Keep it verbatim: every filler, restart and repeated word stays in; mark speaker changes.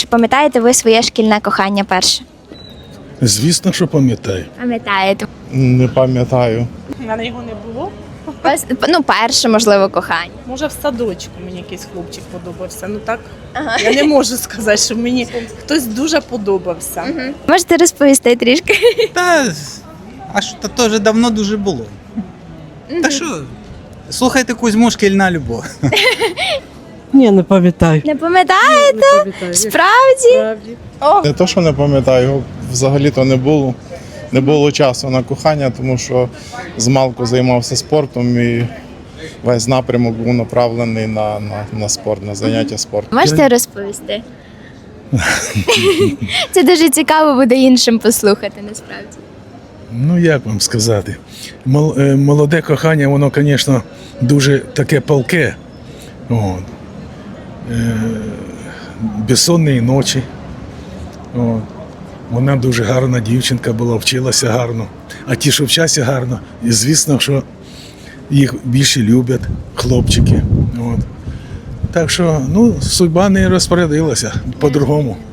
Speaker 1: пам'ятаєте ви своє шкільне кохання перше?
Speaker 2: Звісно, що пам'ятаю.
Speaker 1: Пам'ятаєте.
Speaker 2: Не пам'ятаю.
Speaker 3: У мене його не було.
Speaker 1: Ось, ну, перше, можливо, кохання.
Speaker 3: Може, в садочку мені якийсь хлопчик подобався. Ну так, я не можу сказати, що мені хтось дуже подобався.
Speaker 1: Можете розповісти трішки?
Speaker 4: Та, а що, та то вже давно дуже було. Та що, слухайте Кузьму, шкільна любов.
Speaker 5: Ні, не пам'ятаю.
Speaker 1: Не пам'ятаєте?
Speaker 5: Не пам'ятаю.
Speaker 1: Справді?
Speaker 5: Справді.
Speaker 1: О,
Speaker 2: Не то, що не пам'ятаю, його взагалі-то не було. Не було часу на кохання, тому що змалку займався спортом і весь напрямок був направлений на, на, на спорт, на заняття спортом.
Speaker 1: можете розповісти? Це дуже цікаво буде іншим послухати, насправді.
Speaker 6: Ну, як вам сказати? Мол- е, Молоде кохання, воно, звісно, дуже таке палке. От. Е, Безсонні ночі. От. Вона дуже гарна дівчинка була, вчилася гарно. А ті, що вчаться гарно, і звісно, що їх більше люблять хлопчики. От. Так що, ну, судьба не розпорядилася по-другому.